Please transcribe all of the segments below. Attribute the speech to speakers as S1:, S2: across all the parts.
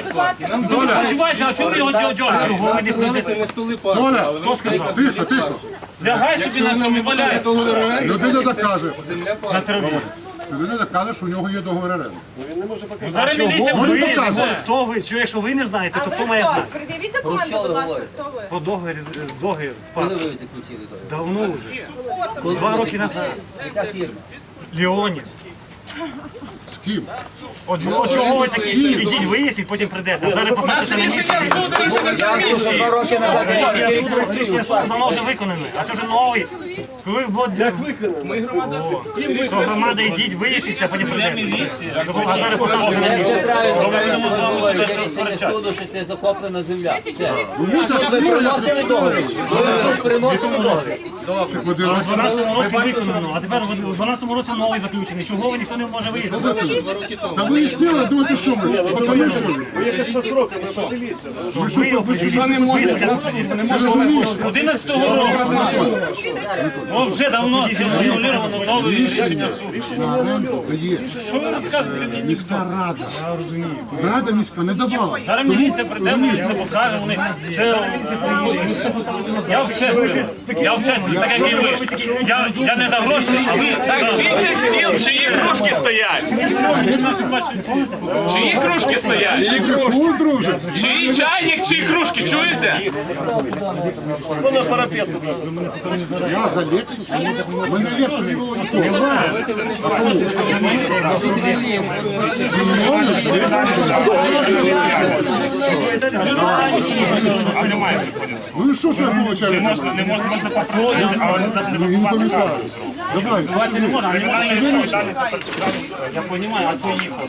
S1: Почувайте, а чого ви його дьоргаєте?
S2: Доля, хто сказав? Тихо, тихо.
S1: Лягай собі на цьому і валяйся.
S2: Людина докаже.
S1: На траві.
S2: Людина докаже, що у нього є договір оренди.
S1: Зараз міліція
S2: Ви
S1: буде.
S2: доказуєте.
S3: Хто ви? Чи якщо ви не знаєте, то хто має знати?
S4: Придивіть документи, будь ласка, хто ви?
S3: Про договір з
S5: Коли
S3: паном.
S5: ви заключили договір?
S3: Давно вже. 2 роки назад.
S5: Яка фірма?
S3: Леоніс.
S2: З ким?
S3: От чого ви такі? Ідіть виясніть, потім прийдете. А зараз поставте на місці. Рішення суду давно вже виконане. А це вже новий. Коли як виконано? Що громада, ідіть виясніть, а потім прийдете. А зараз поставте на місці.
S5: Рішення суду, що це захоплена земля. Все.
S2: Ви
S5: Приносили договір. Приносили договір.
S3: У 12-му році виконано, а тепер у 12-му році новий заключений. Чого ви ніхто не може вияснити?
S2: Та виясняли, думаєте, що ми? Пацани, що ви?
S3: Ви не можете.
S1: 11-го року. Ну вже давно зануліровано нове рішення суду.
S2: На оренду дає
S1: Що ви розказуєте мені?
S2: міська рада. Рада міська не давала.
S1: Зараз міліція прийде, мені це покаже, вони це... Я в честі, так як і ви. Я не за гроші, а ви...
S6: Так, чий це стіл, чиї кружки стоять? Чиї кружки стоять?
S2: Мікрофон, друже.
S6: Чиї чайник, чиї кружки, чуєте?
S2: Я за Лексус. Мене Лексус не було нікого. Ну і що ж я получаю?
S1: Не можна попробувати, але
S2: Не помішаю. Давай.
S1: не можна. Я розумію, а то їх.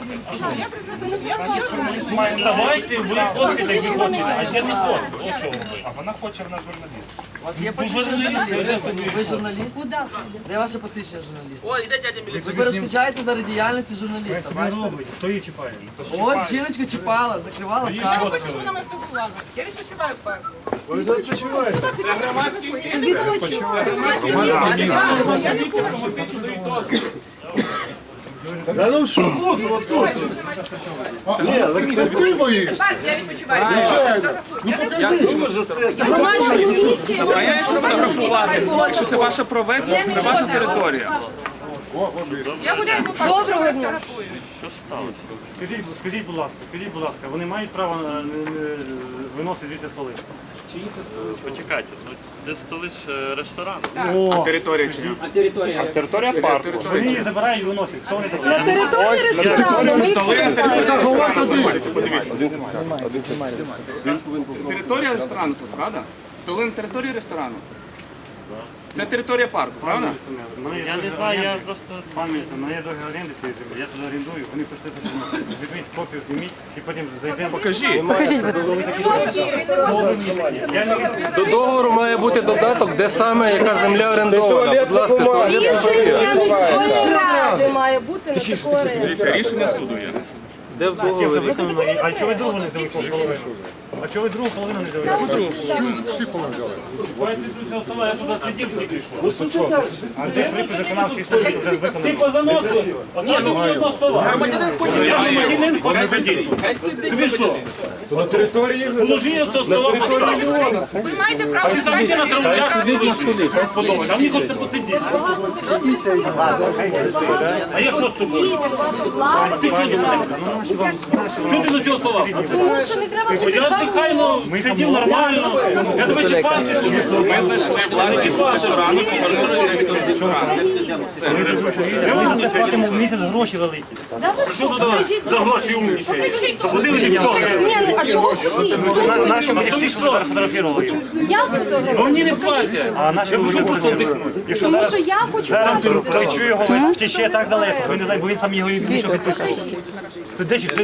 S1: Давайте ви ходите, як ви хочете, а я не хочу. От чого ви. А вона хоче, вона журналіст.
S7: У вас є посвідчення? Ви журналіст? Де ваше посвідчення журналіста?
S6: О, йде дядя міліція.
S7: Ви перешкоджаєте заради діяльності журналіста, бачите?
S3: Хто її чіпає?
S7: Ось жіночка чіпала, закривала
S8: Я
S7: каву.
S8: не хочу, щоб вона мене фотографувала. Я відпочиваю в парку.
S6: Це громадський
S8: Я не хочу. Це громадське місце. Я не хочу.
S2: Ти боїшся?
S8: Парк, я відпочиваю.
S2: Звичайно.
S6: забороняється фотографувати, якщо це ваша приватна територія.
S8: Я гуляю по парку.
S4: Доброго дня.
S3: Скажіть, будь ласка, вони мають право виносити звідси столи?
S9: Почекайте, ну це столи ж ресторану.
S6: А територія чи ні?
S3: Територія парку. Вони її забирають і виносять. Хто вони такі?
S4: На території ресторану ми їх
S2: Яка голова тоді?
S6: Територія ресторану тут, правда? Столи на території ресторану. Це територія парку, правда?
S9: Я не знаю, я просто...
S3: Пам'ятається, мене є договір оренди цієї землі, я туди орендую, вони прийшли тут. Візьміть копію, зніміть і потім зайдемо.
S6: Покажіть.
S10: До договору має бути додаток, де саме яка земля орендована. Будь ласка, туалет.
S4: Рішення міської ради має бути на таку оренду.
S6: Дивіться, рішення суду є.
S10: Де в
S3: Це вже
S10: договорі?
S3: виконано. А чого ви другу не взяли половину? А чого ви другу половину не взяли?
S2: Всі поважали.
S1: Давайте тут цього стола, я туди сидів тільки що.
S3: А де припис виконавчої історії вже
S1: Ти
S3: виконано?
S1: позаносив одного стола. Я громадянин хоче сидіти. Тобі що? На території? Положи я цього стола поставити.
S4: Ви маєте
S1: А
S4: право
S1: ти сам йди на траву, я сидів на столі. А мені хочеться посидіти. А я що з тобою? А ти що думаєш? Чого ти до цього стола?
S4: Тому що не треба
S1: Я дихайно сидів нормально. Я тебе чіпав чи що?
S6: Ми знайшли власність ресторану,
S3: Ми заплатимо в місяць гроші великі.
S4: Да ви що? Покажіть.
S1: За гроші умнічаєш.
S4: Покажіть.
S1: Заходили ті
S4: Покажіть. Ні, а чого ходіть?
S3: Наші всі сфотографували його.
S4: Я сфотографую.
S1: Мені не платять.
S3: А наші вже
S4: Тому що я хочу
S3: зараз
S4: бачити.
S3: той чує його, втече так далеко, що він не знає, бо він сам його більше підписав. Ти де